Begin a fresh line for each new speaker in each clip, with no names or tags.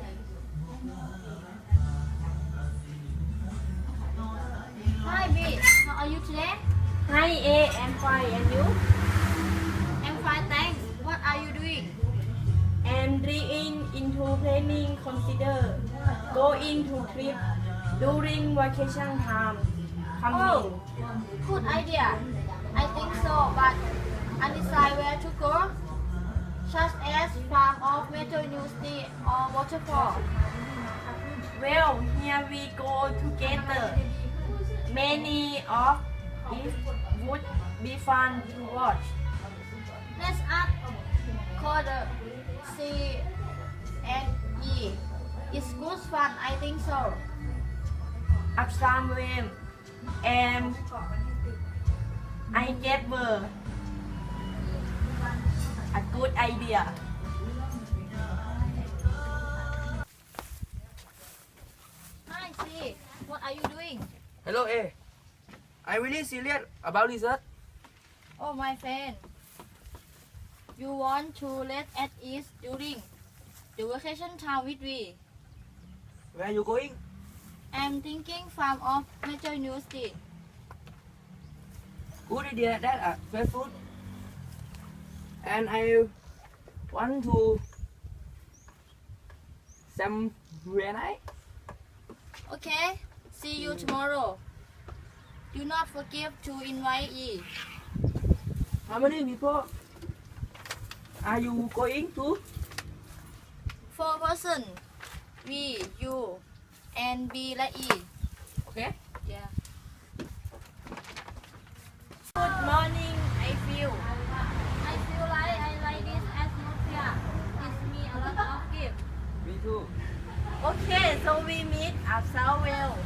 Hi B, how are you today?
Hi A, I'm fine, and you?
I'm fine, thanks. What are you doing?
I'm reading into planning consider going to trip during vacation time.
Oh,
Coming.
good idea. I think so, but undecided where to go, such as farm of Metro University or waterfall.
Well, here we go together. Many of it would be fun to watch.
Let's add code C and E. It's good fun, I think so.
Up somewhere, and I get were a good idea.
Hi C, what are you doing?
Hello A. I'm really serious about research.
Oh my friend, you want to let at ease during the vacation time with me?
Where are you going?
I'm thinking farm of Metro University.
Good idea that fresh food. And I want to somewhere nice.
Okay, see you tomorrow. Do not forget to invite E.
How many people are you going to?
4 person. V, U, and B และ E.
Okay.
Yeah.
Good morning, I feel.
I feel like I like this atmosphere. Gives me a lot of gift.
Me too.
Okay, so we meet at Southwell.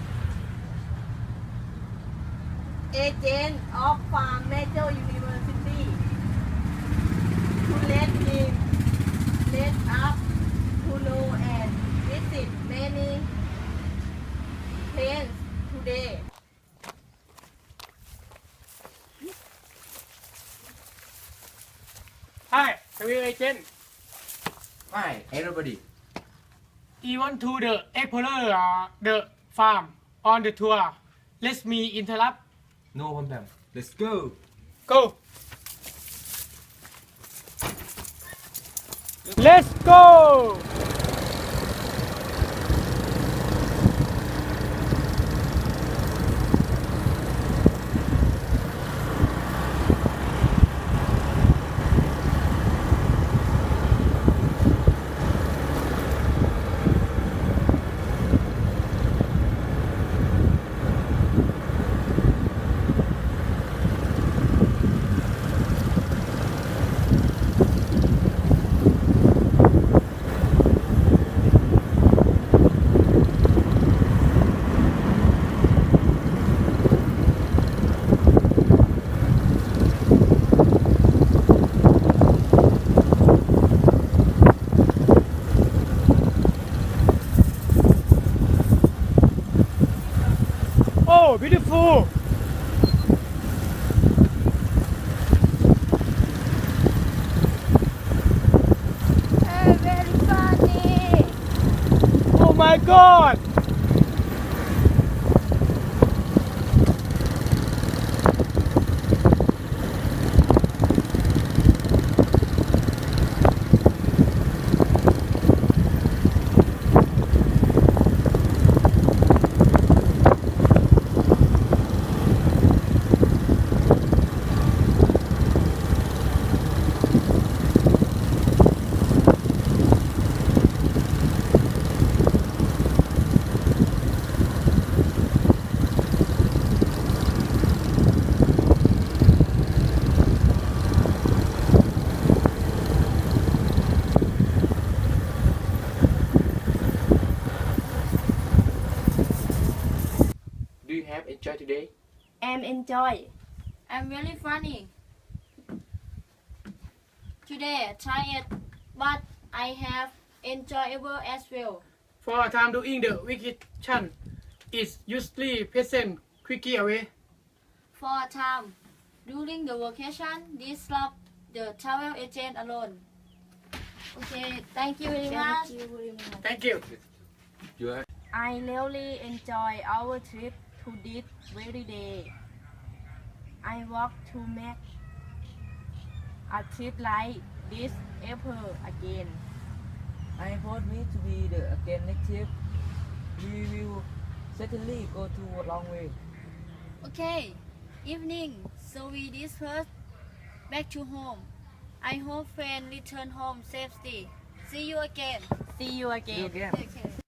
Agent of Farm Major University. To let us to know and visit many places today.
Hi, career agent.
Hi, everybody.
Even to the explorer the farm on the tour. Let me interrupt.
No problem. Let's go.
Go. Let's go. Oh, beautiful.
Very funny.
Oh my God.
Do you have enjoy today?
And enjoy.
I'm really funny. Today, tired, but I have enjoyable as well.
For a time doing the vacation is usually present quickly away.
For a time, during the vacation, disrupt the travel agent alone. Okay, thank you very much.
Thank you.
I really enjoy our trip to this very day. I want to make a trip like this ever again.
I want me to be the again next trip. We will certainly go to a long way.
Okay, evening. So we disperse back to home. I hope friends return home safely. See you again.
See you again.
See you again.
Okay.